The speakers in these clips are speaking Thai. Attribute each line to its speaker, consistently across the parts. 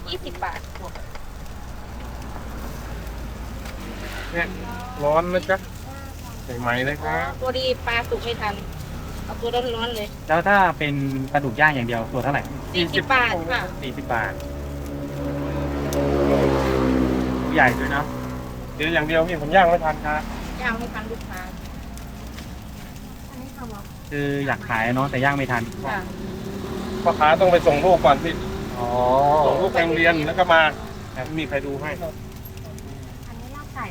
Speaker 1: 20 บาท
Speaker 2: เนี่ยร้อนนะจ๊ะใหม่ๆเลยครับ
Speaker 1: ตัวดีปลาสุกไม่ทันเอาตัวร้อนๆเลย
Speaker 3: แล้วถ้าเป็นปลาดุกย่างอย่างเดียวตัวเท่าไหร่
Speaker 1: 40 บาทค่ะ
Speaker 3: 40 บาทใหญ่ด้วยนะ
Speaker 2: เดี๋ยวอย่างเดียวพี่ผมย่างไม่ทันครับ
Speaker 1: ย่างไม่ทันลูกค้าอันนี้ทำอ่ะ
Speaker 3: คืออยากขายเนาะแต่ย่างไม่ทัน
Speaker 1: ค่ะ
Speaker 2: พ่อค้าต้องไปส่งลูกก่อนพี่
Speaker 3: อ๋อ
Speaker 2: ส่งลูกไปโรงเรียนแล้วก็มาแต่ไม่มีใครดูให้
Speaker 1: อันนี้ลาบไก่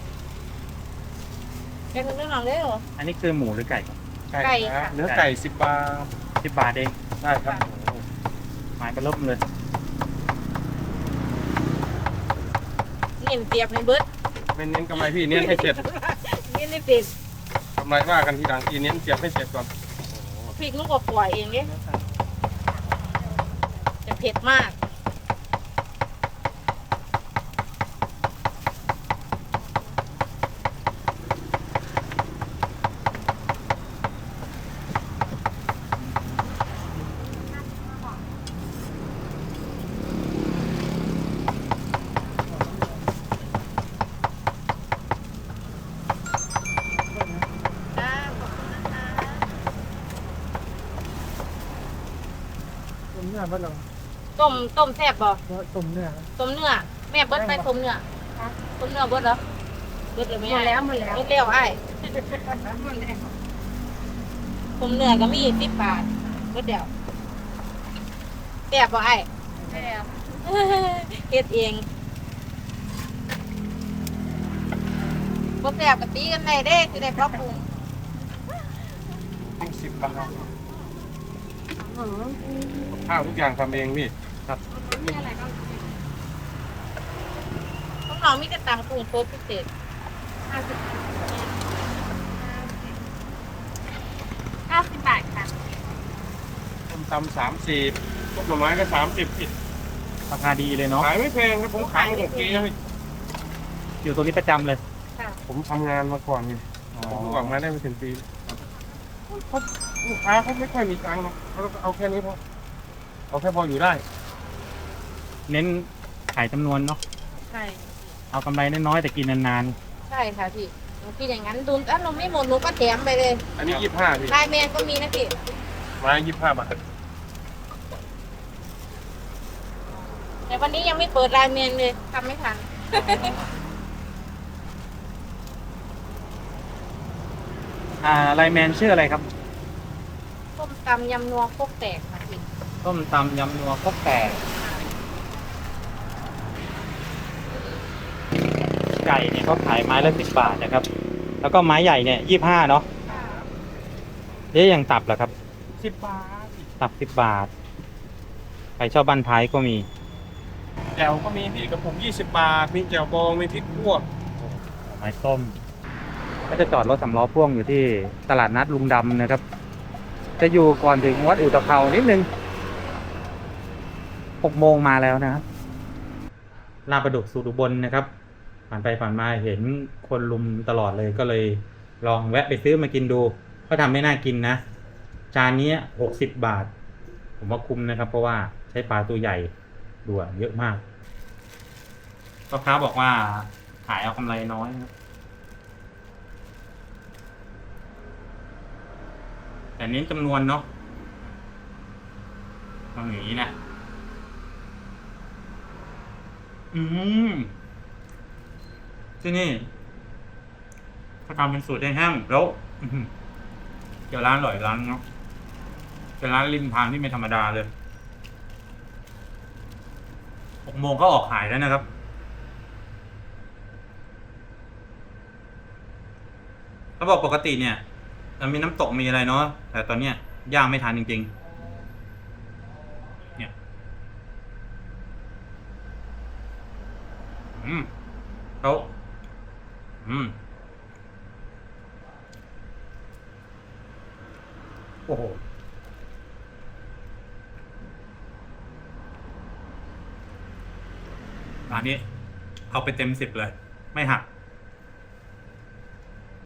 Speaker 1: แกงเรื่องหลังได้เหรอ
Speaker 3: อันนี้คือหมูหรือไก่ครับ
Speaker 1: ไก่
Speaker 2: ค
Speaker 1: ค่ะ
Speaker 2: รับเนื้อไก่10 บาท
Speaker 3: 10 บาทเอง
Speaker 2: ได้ครับ
Speaker 3: หมายเป็นลบเลย
Speaker 1: เน้นเปรียบในเบิร์ด
Speaker 2: ไม่เน้นกำไรพี่เน้นให้เสร็จ
Speaker 1: เน้นในเปรียบ
Speaker 2: กำไรว่ากันทีหลังทีเน้นเก็บให้เสร็จก่อน
Speaker 1: พริกลูกกว่าเองเนี่ยจะเผ็ดมากจ้าขอบคุณนะคะ
Speaker 4: ต้มเนื้อบ้านเรา
Speaker 1: ต้มแซ่บบ่
Speaker 4: ต้มเนื้อ
Speaker 1: ต้มเนื้อแม่เบิดไปต้มเนื้อต้มเนื้อเบิดเหรอเบิดเลยไหม
Speaker 4: หมดแล้วหมดแล้ว
Speaker 1: เบิดแล้วไอ้ต้มเนื้อก็มี10 บาทเบิดเดียวแซ่บบ่ไอ้แซ่บเฮ็ดเองบ่แซ่บก็ตีกันได้เด้สิได้ปรับปรุง
Speaker 2: ต้อง10 บาทข้าวทุกอย่างทำเองพี่
Speaker 1: น้องๆมีแต่ตำกุ้งโคตรพิเศษ50 บาทค่ะ
Speaker 2: ต้มตำ30ต้มหน่อไม้ก็30พี่
Speaker 3: ราคาดีเลยเนาะ
Speaker 2: ขายไม่แพงครับผมขายมา6 ปีแล้วพี่
Speaker 3: อยู่ตรงนี้ประจำเลย
Speaker 2: ผมทำงานมาก่อนไง
Speaker 3: อ๋อ
Speaker 2: ผมออกมาได้ไม่ถึงปีเขาลูกค้าเขาไม่ค่อยมีตังค์หรอกเขาก็เอาแค่นี้พอเอาแค่พออยู่ได้
Speaker 3: เน้นขายจำนวนเนาะ
Speaker 1: ใช่
Speaker 3: เอากำไรน้อยๆแต่กินนาน
Speaker 1: ใช่ค่ะพี่หนูคิดอย่างนั้นดูถ้าหนูไม่หมดหนูก็แถมไปเลย
Speaker 2: อันนี้25พี่
Speaker 1: ลายแมนก็มีนะพี่
Speaker 2: ไม้25 บาท
Speaker 1: แต่วันนี้ยังไม่เปิดลายแมนเลยทำไม่ทัน
Speaker 3: ๆไลน์แมนชื่ออะไรครับ
Speaker 1: ส้มตำยำนัวโคกแตกค่ะพี่
Speaker 3: ต้มตำยำนัวครกแตกไก่เนี่ยก็ขายไม้ละ10 บาทนะครับ แล้วก็ไม้ใหญ่เนี่ย25เนาะเอ๊ะอย่างตับเหรอครับ
Speaker 2: 10 บาท
Speaker 3: ตับ10 บาทใครชอบบ้านท้ายก็มี
Speaker 2: แจ่วก็มีพี่กับผม20 บาทมีแจ่วบองมีพริกคั่ว
Speaker 3: ไม้ต้มก็จะจอดรถสำล้อพ่วงอยู่ที่ตลาดนัดลุงดำนะครับ จะอยู่ก่อนถึงวัดอุตภเปานิดนึง6 โมงมาแล้วนะครับลาดประดุกสูตรอุบลนะครับ ผ่านไปผ่านมาเห็นคนลุมตลอดเลยก็เลยลองแวะไปซื้อมากินดู ก็ทำไม่น่ากินนะ จานนี้60 บาท ผมว่าคุ้มนะครับ เพราะว่าใช้ปลาตัวใหญ่ด้วยเยอะมากพ่อค้าบอกว่าขายเอากำไรน้อยนะครับแต่เน้นจำนวนเนาะต้องอย่างนี้นะที่นี่เขาทำเป็นสูตรแห้งๆแล้วเดี๋ยวร้านอร่อยร้านเนาะเป็นร้านริมทางที่ไม่ธรรมดาเลย6 โมงก็ออกขายแล้วนะครับเขาบอกปกติเนี่ยมันมีน้ำตกมีอะไรเนาะแต่ตอนเนี้ยย่างไม่ทันจริงๆเนี่ยเขาโอ้โหร้านนี้เอาไปเต็ม10เลยไม่หัก